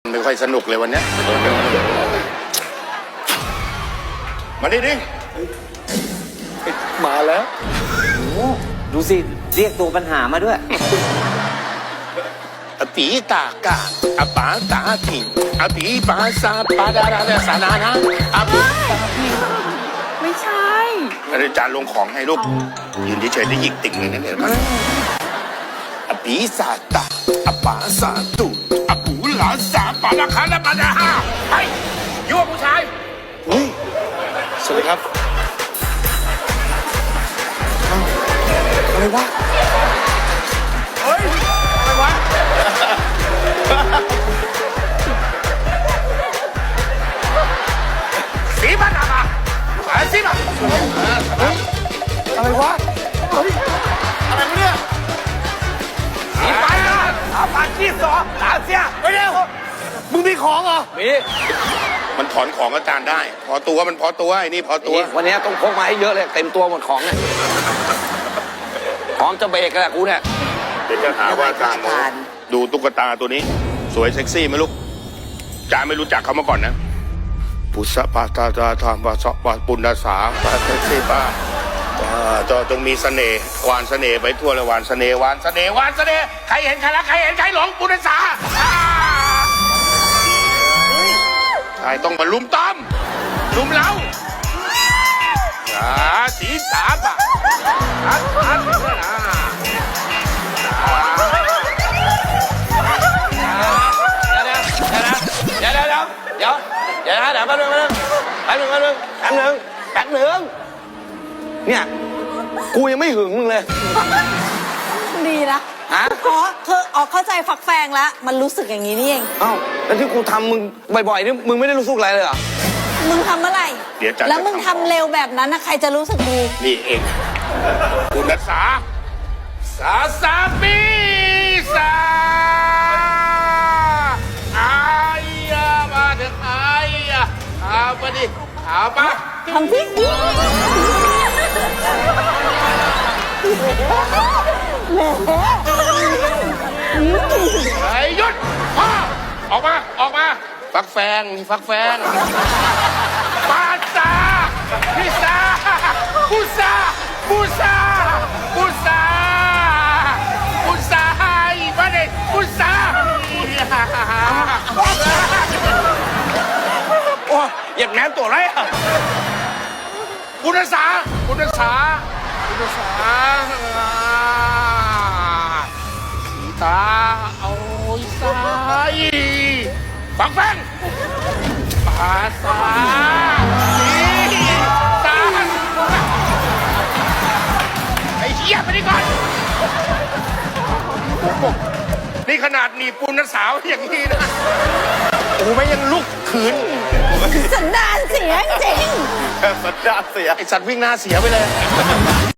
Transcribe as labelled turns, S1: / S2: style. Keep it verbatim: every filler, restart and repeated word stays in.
S1: ไม่ค่อยสนุกเลยวันนี้มาดิดิมาแล้ว
S2: ดูสิเรียกตัวปัญหามาด้วย
S1: อปีตากาอปาตาทิงอปีปาซาปาดาราดาสานานะอปี
S3: ไม่ใช่
S1: อาจารย์ลงของให้ลูกยืนเฉยๆได้หยิกติ่งเลยนั่นเองอปีซาตาอปาซาตุอปูหลาสาปาดาคาลาปาดาฮาไอ้ยั่วผู้ชายสวัสดีครับอะไรวะเฮ้ยอะไรวะสีมันอะค่ะสีมันอะไรวะเฮ้ยอะไรวะเนี่ยสีไปอ่ะอาปาชีสอตาเสียไปเร็วมึงมีของเหรอมีมันถอนของอาจารย์ได้พอตัวมันพอตัวไอ้นี่พอตัว
S2: วันนี้ต้องพกมาให้เยอะเลยเต็มตัวหมดของเนี่ยพร้อมจะเบรกแล้วกูเนี่ย
S1: เดี๋ยวจะหาว่าอาจารย์ดูตุ๊กตาตัวนี้สวยเซ็กซี่ไหมลูกอาจารย์ไม่รู้จักเขามาก่อนนะปุษปาตาตาธรรมปะสปะปุณณสาปะเซ็กซี่ป้าจอจงมีเสน่ห์วานเสน่ห์ไปทั่วเลยวานเสน่ห์วานเสน่ห์วานเสน่ห์ใครเห็นใครรักใครเห็นใครหลงปุณณสาใครต้องมาลุมต้อมลุมเล้าสีสาบะอัดอัดเลยนะ
S2: เดี๋ยวเดี๋ยวเดี๋ยวเดี๋ยวเดี๋ยวเดี๋ยวแป๊บนึงแป๊บนึงแป๊บนึงแป๊บนึงแป๊บนึงเนี่ยกูยังไม่หึงมึงเลย
S3: ดีนะ
S2: ฮะ
S3: อ๋อคือออกเข้าใจฝักแฟงแล้วมันรู้สึกอย่างนี้นี่เอง
S2: เอ้าแล้วที่กูทำมึงบ่อยๆนี่มึงไม่ได้รู้สึกอะไรเลยเหรอ
S3: มึงทำเมื่อไหร่แล้วมึงทำเร็วแบบนั้นนะใครจะรู้สึกดี
S1: นี่เองคุณนัสสาสาสาปีสาอายามาเถอะอายาเอาไปดิเอาปะ
S3: ทำที่
S1: ไอ้หยุดพ่อออกมาออกมาฟักแฟงมีฟักแฟงปาซาพิซาบูซาบูซาบูซาบูซาอีบ้าเด็กบูซาโอ้ยเหยียบแหนมตัวไรอ่ะบุญศาบุญศาบุญศาสีตาเอาสายฟังแฟงปาสาสีตาไอ้เหี้ยไปนี่ก่อนนี่ขนาดหนีปุณสาวอย่างนี้นะโอ้ไม่ยังลุกขืน
S3: สันดานเสียจริง
S1: สันดานเสียไอสัตว์วิ่งหน้าเสียไปเลย